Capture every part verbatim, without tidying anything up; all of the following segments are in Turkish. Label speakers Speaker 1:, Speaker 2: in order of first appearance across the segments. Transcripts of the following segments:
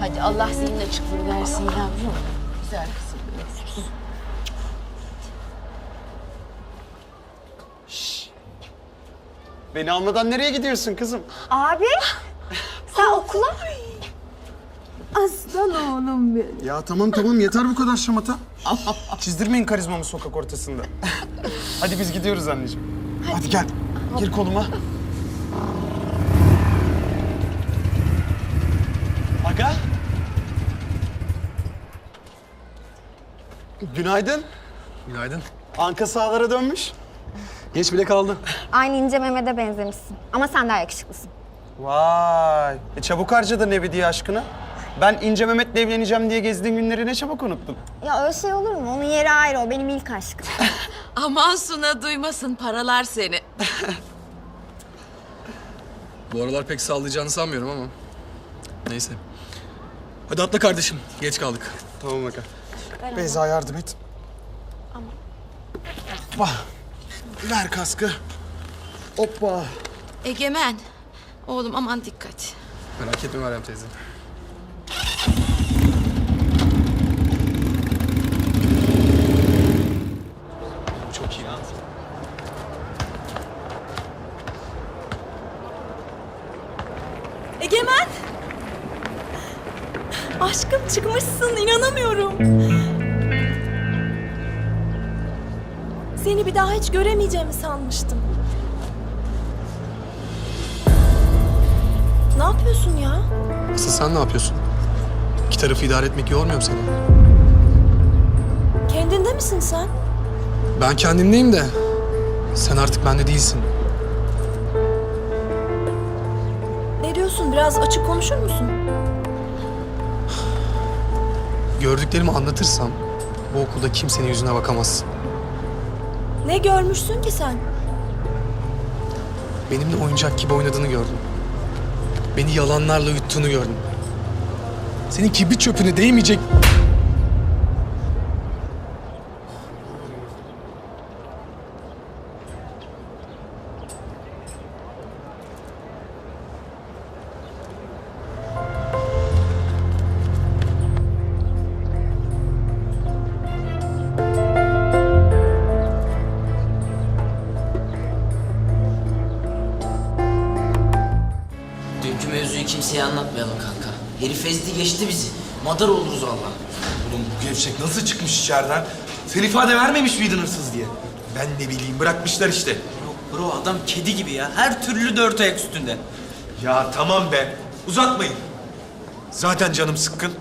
Speaker 1: Hadi Allah senin açıklığı versin yavrum. Güzel kızım.
Speaker 2: Beni almadan nereye gidiyorsun kızım?
Speaker 3: Abi, sen okula...
Speaker 1: Aslan oğlum benim.
Speaker 2: Ya tamam tamam yeter bu kadar şamata. Çizdirmeyin karizmamı sokak ortasında. Hadi biz gidiyoruz anneciğim. Hadi, Hadi gel. Gir koluma. Aga. Günaydın.
Speaker 4: Günaydın.
Speaker 2: Anka sahalara dönmüş.
Speaker 4: Geç bile kaldın.
Speaker 3: Aynı İnce Mehmet'e benzemişsin. Ama sen daha yakışıklısın.
Speaker 2: Vay. E çabuk harcadın evi diye aşkına. Ben İnce Mehmet'le evleneceğim diye gezdiğin günleri ne çabuk unuttun.
Speaker 3: Ya öyle şey olur mu? Onun yeri ayrı, o benim ilk aşkım.
Speaker 1: Aman Suna duymasın, paralar seni.
Speaker 4: Bu aralar pek sağlayacağını sanmıyorum ama. Neyse. Hadi atla kardeşim. Geç kaldık.
Speaker 2: Tamam Aga. Beyza yardım et.
Speaker 3: Ama.
Speaker 2: Hoppa. Ver kaskı. Hoppa.
Speaker 1: Egemen, oğlum aman dikkat.
Speaker 4: Merak etme Meryem teyze. Çok iyi.
Speaker 5: Egemen! Aşkım çıkmışsın, inanamıyorum. Seni bir daha hiç göremeyeceğimi sanmıştım. Ne yapıyorsun ya?
Speaker 4: Asıl sen ne yapıyorsun? İki tarafı idare etmek yormuyor mu seni?
Speaker 5: Kendinde misin sen?
Speaker 4: Ben kendimdeyim de sen artık bende değilsin.
Speaker 5: Ne diyorsun? Biraz açık konuşur musun?
Speaker 4: Gördüklerimi anlatırsam bu okulda kimsenin yüzüne bakamazsın.
Speaker 5: Ne görmüşsün ki sen?
Speaker 4: Benimle oyuncak gibi oynadığını gördüm. Beni yalanlarla yuttuğunu gördüm. Senin kibrit çöpüne değmeyecek...
Speaker 6: Dünkü mevzuyu kimseye anlatmayalım kanka. Herif ezdi geçti bizi. Madar oluruz valla.
Speaker 7: Oğlum bu gevşek nasıl çıkmış içeriden? Sen ifade vermemiş miydin hırsız diye? Ben ne bileyim bırakmışlar işte.
Speaker 6: Yok bro adam kedi gibi ya. Her türlü dört ayak üstünde.
Speaker 7: Ya tamam be. Uzatmayın. Zaten canım sıkkın.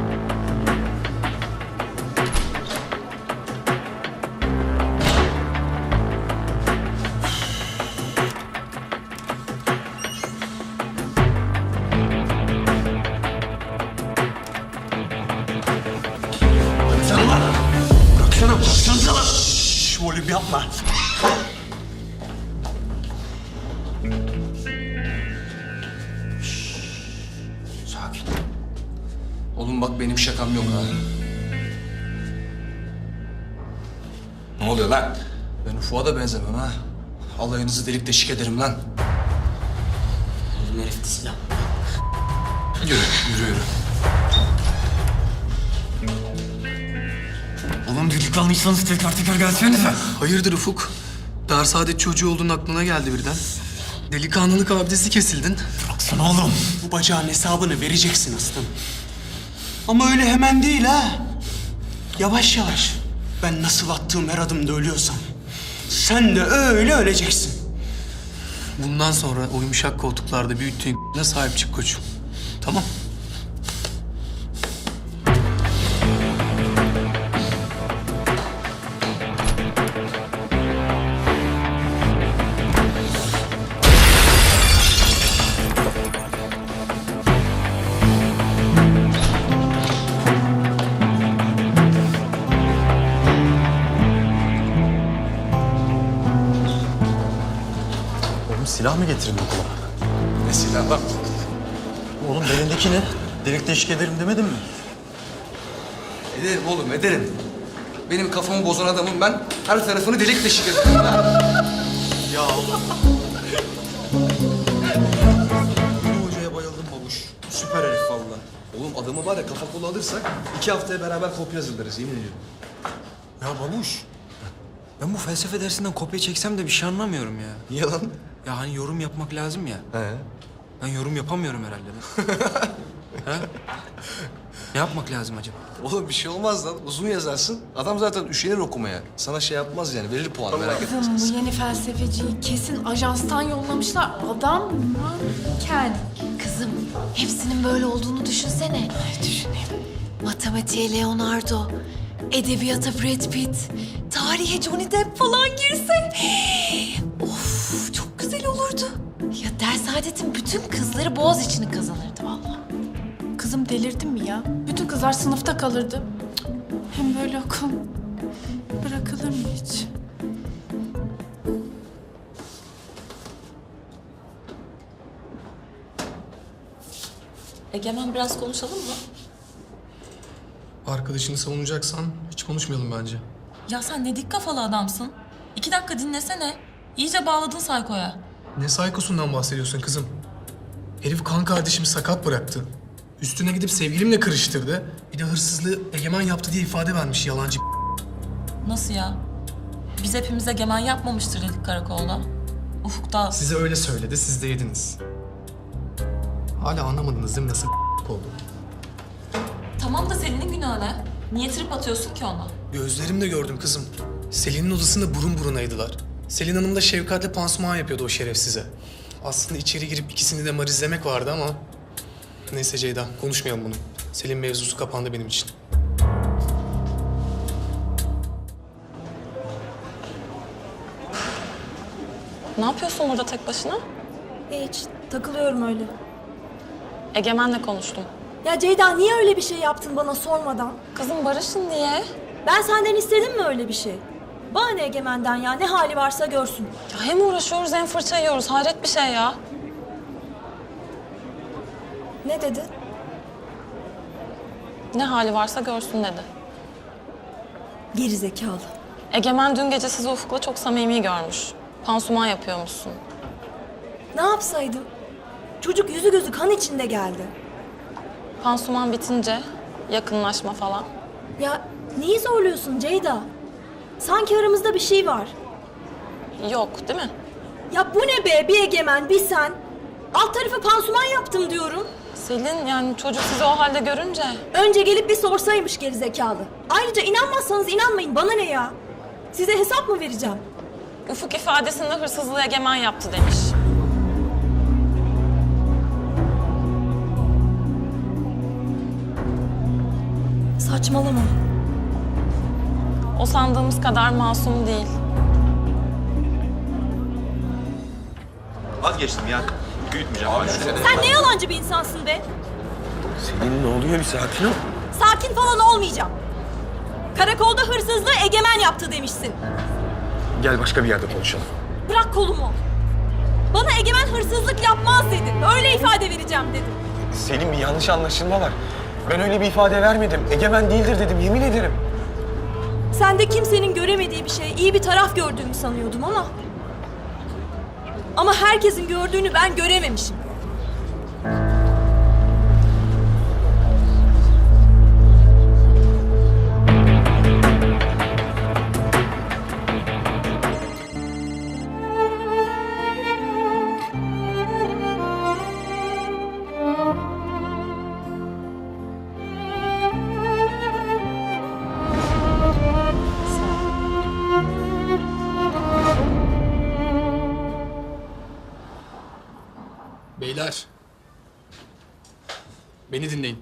Speaker 7: Bıraksana lan. Bıraksana, bıraksana lan. Şşş, volüm yapma.
Speaker 6: Sakin.
Speaker 4: Oğlum bak benim şakam yok ha.
Speaker 7: Ne oluyor lan?
Speaker 4: Ben Ufuk'a da benzemem ha. Alayınızı delik deşik ederim lan.
Speaker 6: Oğlum herifte silah.
Speaker 4: Yürü, yürü, yürü.
Speaker 6: Oğlum delikanlıysanız tekrar tekrar gelsenize.
Speaker 4: Hayırdır Ufuk? Dar saadet çocuğu olduğun aklına geldi birden. Delikanlılık abidesi kesildin.
Speaker 2: Baksana oğlum. Bu bacağın hesabını vereceksin aslanım. Ama öyle hemen değil ha. Yavaş yavaş. Ben nasıl attığım her adımda ölüyorsam sen de öyle öleceksin.
Speaker 4: Bundan sonra o yumuşak koltuklarda büyüttüğün ne sahip çık koçum. Tamam.
Speaker 8: Oğlum silah mı getirin okula?
Speaker 4: Ne silah lan?
Speaker 8: Oğlum belindeki ne? Delik deşik ederim demedin mi?
Speaker 4: Ederim oğlum ederim. Benim kafamı bozan adamım ben. Her tarafını delik deşik ederim.
Speaker 8: Ya oğlum. Bu hocaya bayıldım babuş. Süper herif valla.
Speaker 7: Oğlum adamı var ya kafa kolu alırsak iki haftaya beraber kopya hazırlarız yemin ediyorum.
Speaker 8: Ya babuş. Ben bu felsefe dersinden kopya çeksem de bir şey anlamıyorum ya.
Speaker 7: Niye lan?
Speaker 8: Ya hani yorum yapmak lazım ya.
Speaker 7: He.
Speaker 8: Ben yorum yapamıyorum herhalde. ha? Ne yapmak lazım acaba?
Speaker 7: Oğlum bir şey olmaz lan. Uzun yazarsın. Adam zaten üşenir okumaya. Sana şey yapmaz yani. Verir puan merak etme.
Speaker 1: Kızım bu yeni felsefeciyi kesin ajanstan yollamışlar. Adam manken. Kızım hepsinin böyle olduğunu düşünsene. Ay düşüneyim. Matematiğe Leonardo, edebiyata Brad Pitt, tarihe Johnny Depp falan girse. Of çok güzel olurdu. Ya ders adetin bütün kızları boğaz içini kazanırdı vallahi. Kızım delirdin mi ya? Bütün kızlar sınıfta kalırdı. Cık, hem böyle okul bırakılır mı hiç?
Speaker 5: Egemen biraz konuşalım mı?
Speaker 4: Arkadaşını savunacaksan hiç konuşmayalım bence.
Speaker 5: Ya sen ne dik kafalı adamsın. İki dakika dinlesene. İyice bağladın Sayko'ya.
Speaker 4: Ne saykosundan bahsediyorsun kızım? Herif kan kardeşimi sakat bıraktı. Üstüne gidip sevgilimle kırıştırdı. Bir de hırsızlığı Egemen yaptı diye ifade vermiş yalancı.
Speaker 5: Nasıl ya? Biz hepimiz Egemen yapmamıştır dedik karakolda. Ufuk'ta...
Speaker 4: Size öyle söyledi, siz de yediniz. Hala anlamadınız değil mi nasıl oldu?
Speaker 5: Tamam da Selin'in günahı ne? Niye trip atıyorsun ki ona?
Speaker 4: Gözlerimle gördüm kızım. Selin'in odasında burun burunaydılar. Selin Hanım da Şevkat'le pansuman yapıyordu o şerefsize. Aslında içeri girip ikisini de marizlemek vardı ama... Neyse Ceyda, konuşmayalım bunu. Selin mevzusu kapandı benim için.
Speaker 5: Ne yapıyorsun burada tek başına?
Speaker 9: Hiç. Takılıyorum öyle.
Speaker 5: Egemen'le konuştum.
Speaker 9: Ya Ceyda niye öyle bir şey yaptın bana sormadan?
Speaker 5: Kızım barışın diye.
Speaker 9: Ben senden istedim mi öyle bir şey? Bana ne Egemen'den ya? Ne hali varsa görsün.
Speaker 5: Ya hem uğraşıyoruz hem fırça yiyoruz. Hayret bir şey ya.
Speaker 9: Ne dedi?
Speaker 5: Ne hali varsa görsün dedi.
Speaker 9: Geri zekalı.
Speaker 5: Egemen dün gece sizi Ufuk'la çok samimi görmüş. Pansuman yapıyormuşsun.
Speaker 9: Ne yapsaydım? Çocuk yüzü gözü kan içinde geldi.
Speaker 5: Pansuman bitince yakınlaşma falan.
Speaker 9: Ya neyi zorluyorsun Ceyda? Sanki aramızda bir şey var.
Speaker 5: Yok değil mi?
Speaker 9: Ya bu ne be? Bir Egemen, bir sen. Alt tarafı pansuman yaptım diyorum.
Speaker 5: Selin yani çocuk sizi o halde görünce...
Speaker 9: Önce gelip bir sorsaymış geri zekalı. Ayrıca inanmazsanız inanmayın. Bana ne ya? Size hesap mı vereceğim?
Speaker 5: Ufuk ifadesinde hırsızlığı Egemen yaptı demiş.
Speaker 9: Saçmalama.
Speaker 5: O sandığımız kadar masum değil.
Speaker 8: Vazgeçtim ya. Büyütmeyeceğim. Abi,
Speaker 9: Sen ne yalancı bir insansın be?
Speaker 8: Senin ne oluyor bir sakin ol.
Speaker 9: Sakin falan olmayacağım. Karakolda hırsızlığı Egemen yaptı demişsin.
Speaker 8: Gel başka bir yerde konuşalım.
Speaker 9: Bırak kolumu. Bana Egemen hırsızlık yapmaz dedin. Öyle ifade vereceğim dedin.
Speaker 8: Senin bir yanlış anlaşılma var. Ben öyle bir ifade vermedim. Egemen değildir dedim, yemin ederim.
Speaker 9: Sen de kimsenin göremediği bir şey, iyi bir taraf gördüğümü sanıyordum ama... Ama herkesin gördüğünü ben görememişim.
Speaker 4: Beyler. Beni dinleyin.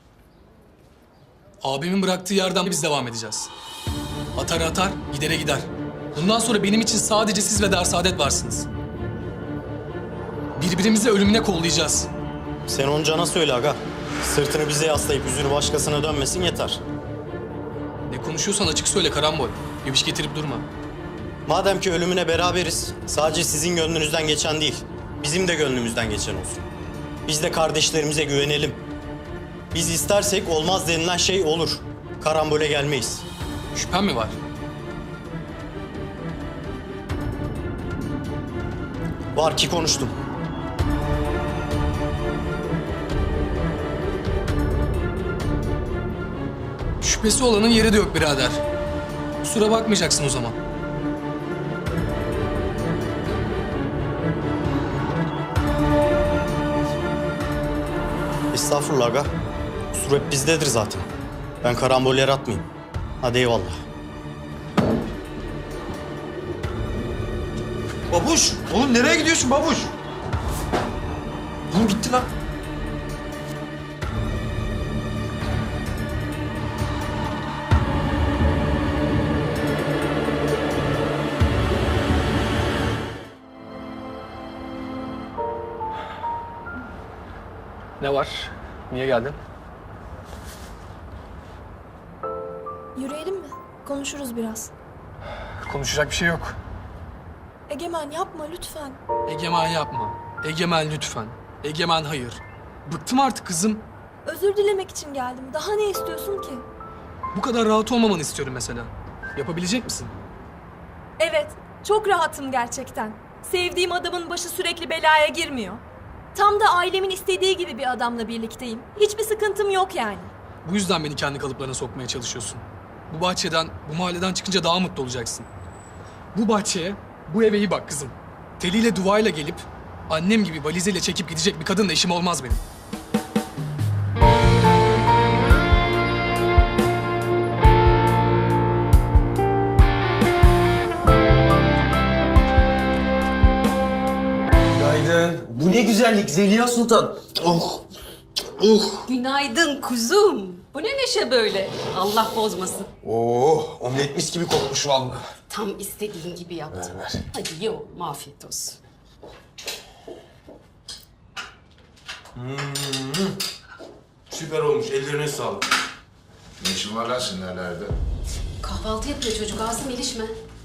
Speaker 4: Abimin bıraktığı yerden biz devam edeceğiz. Atar atar, gidere gider. Bundan sonra benim için sadece siz ve Dersaadet varsınız. Birbirimizi ölümüne kollayacağız.
Speaker 10: Sen onu Can'a söyle aga. Sırtını bize yaslayıp yüzünü başkasına dönmesin yeter.
Speaker 4: Ne konuşuyorsan açık söyle Karambol. Geviş getirip durma.
Speaker 10: Madem ki ölümüne beraberiz, sadece sizin gönlünüzden geçen değil, bizim de gönlümüzden geçen olsun. Biz de kardeşlerimize güvenelim. Biz istersek olmaz denilen şey olur. Karambole gelmeyiz.
Speaker 4: Şüphen mi var?
Speaker 10: Var ki konuştum.
Speaker 4: Şüphesi olanın yeri de yok birader. Kusura bakmayacaksın o zaman.
Speaker 10: Estağfurullah aga. Kusur hep bizdedir zaten. Ben karambol yaratmayayım. Hadi eyvallah.
Speaker 7: Babuş! Oğlum nereye gidiyorsun babuş? Oğlum gitti lan.
Speaker 4: Ne var? Niye geldin?
Speaker 9: Yürüyelim mi? Konuşuruz biraz.
Speaker 4: Konuşacak bir şey yok.
Speaker 9: Egemen yapma lütfen.
Speaker 4: Egemen yapma. Egemen lütfen. Egemen hayır. Bıktım artık kızım.
Speaker 9: Özür dilemek için geldim. Daha ne istiyorsun ki?
Speaker 4: Bu kadar rahat olmamanı istiyorum mesela. Yapabilecek misin?
Speaker 9: Evet, çok rahatım gerçekten. Sevdiğim adamın başı sürekli belaya girmiyor. Tam da ailemin istediği gibi bir adamla birlikteyim. Hiçbir sıkıntım yok yani.
Speaker 4: Bu yüzden beni kendi kalıplarına sokmaya çalışıyorsun. Bu bahçeden, bu mahalleden çıkınca daha mutlu olacaksın. Bu bahçeye, bu eve iyi bak kızım. Teliyle duvayla gelip annem gibi valizeyle çekip gidecek bir kadınla işim olmaz benim.
Speaker 7: Günaydın. Bu ne güzellik Zeliha Sultan. Oh. Oh.
Speaker 11: Günaydın kuzum. Bu ne neşe böyle? Allah bozmasın.
Speaker 7: Oh, omlet mis gibi kokmuş vallahi.
Speaker 11: Tam istediğin gibi yaptım.
Speaker 7: Ver, ver.
Speaker 11: Hadi ye oğlum, afiyet olsun.
Speaker 7: Süper olmuş. Ellerine sağlık.
Speaker 12: Ne işin var lan senin nerelerde?
Speaker 11: Kahvaltı yapıyor çocuk, Asım ilişme.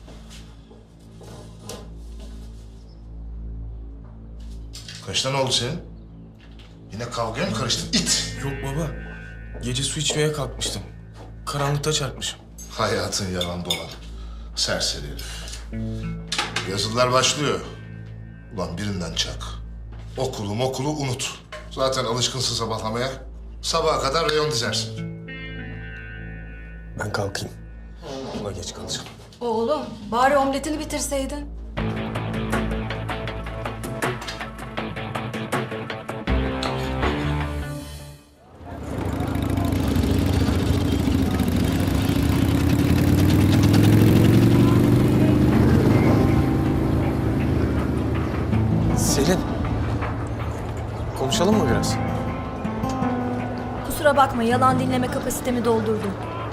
Speaker 12: Kaç tane oldu senin? Yine kavgaya mı karıştın it?
Speaker 7: Yok baba. Gece su içmeye kalkmıştım. Karanlıkta çarpmışım.
Speaker 12: Hayatın yalan dolan. Serseri herif. Yazılar başlıyor. Ulan birinden çak. Okulu okulu unut. Zaten alışkınsın sabahlamaya. Sabaha kadar reyon dizersin.
Speaker 7: Ben kalkayım. Okula geç kalacağım.
Speaker 11: Oğlum, bari omletini bitirseydin.
Speaker 7: Selin. Konuşalım mı biraz?
Speaker 9: Kusura bakma, yalan dinleme kapasitemi doldurdum.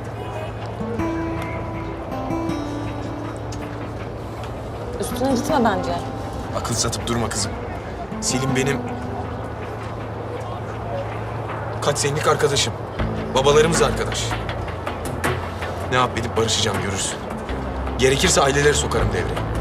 Speaker 5: Üstüne gitme bence.
Speaker 7: Akıl satıp durma kızım. Selim benim... kaç senelik arkadaşım. Babalarımız arkadaş. Ne yap edip barışacağım görürsün. Gerekirse aileleri sokarım devreye.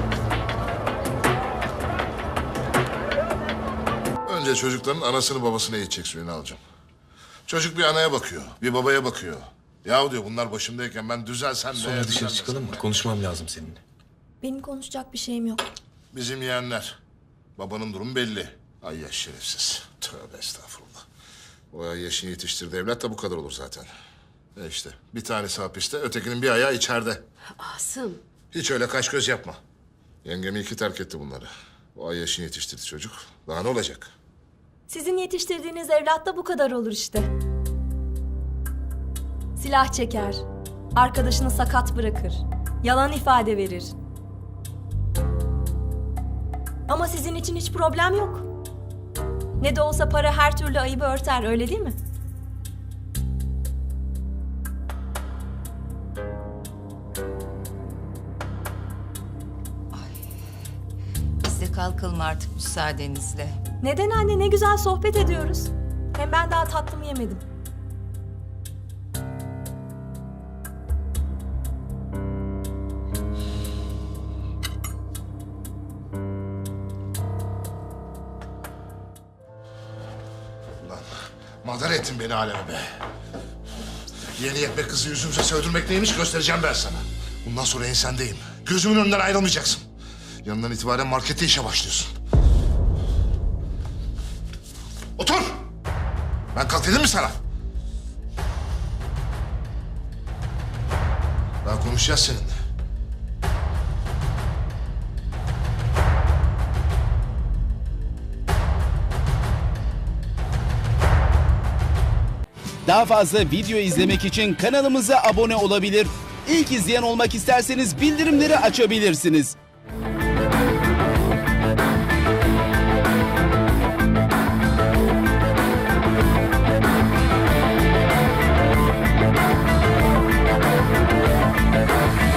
Speaker 12: Önce çocukların anasını babasını eğitecek suyunu alacağım. Çocuk bir anaya bakıyor, bir babaya bakıyor. Yahu diyor bunlar başımdayken ben düzelsem de...
Speaker 7: Sonra dışarı
Speaker 12: düzelmesem
Speaker 7: çıkalım mı?
Speaker 12: de.
Speaker 7: Konuşmam lazım seninle.
Speaker 9: Benim konuşacak bir şeyim yok.
Speaker 12: Bizim yeğenler. Babanın durumu belli. Ay yaş şerefsiz. Tövbe estağfurullah. O ay yaşını yetiştirdi evlat da bu kadar olur zaten. E işte bir tanesi hapiste, ötekinin bir ayağı içeride.
Speaker 11: Asım,
Speaker 12: Hiç öyle kaş göz yapma. Yengem iyi ki terk etti bunları. O ay yaşını yetiştirdi çocuk. Daha ne olacak?
Speaker 9: Sizin yetiştirdiğiniz evlat da bu kadar olur işte. Silah çeker, arkadaşını sakat bırakır, yalan ifade verir. Ama sizin için hiç problem yok. Ne de olsa para her türlü ayıbı örter, öyle değil mi?
Speaker 11: biz de kalkalım artık müsaadenizle.
Speaker 9: Neden anne, ne güzel sohbet ediyoruz. Hem ben daha tatlımı yemedim.
Speaker 12: Ulan madar ettin beni aleme be. Yeni yetme kızı yüzümüze sövdürmek neymiş göstereceğim ben sana. Bundan sonra ensendeyim. Gözümün önünden ayrılmayacaksın. Yanından itibaren markette işe başlıyorsun. Otur! Ben kalk dedim mi sana? Daha konuşacağız seninle.
Speaker 13: Daha fazla video izlemek için kanalımıza abone olabilir. İlk izleyen olmak isterseniz bildirimleri açabilirsiniz.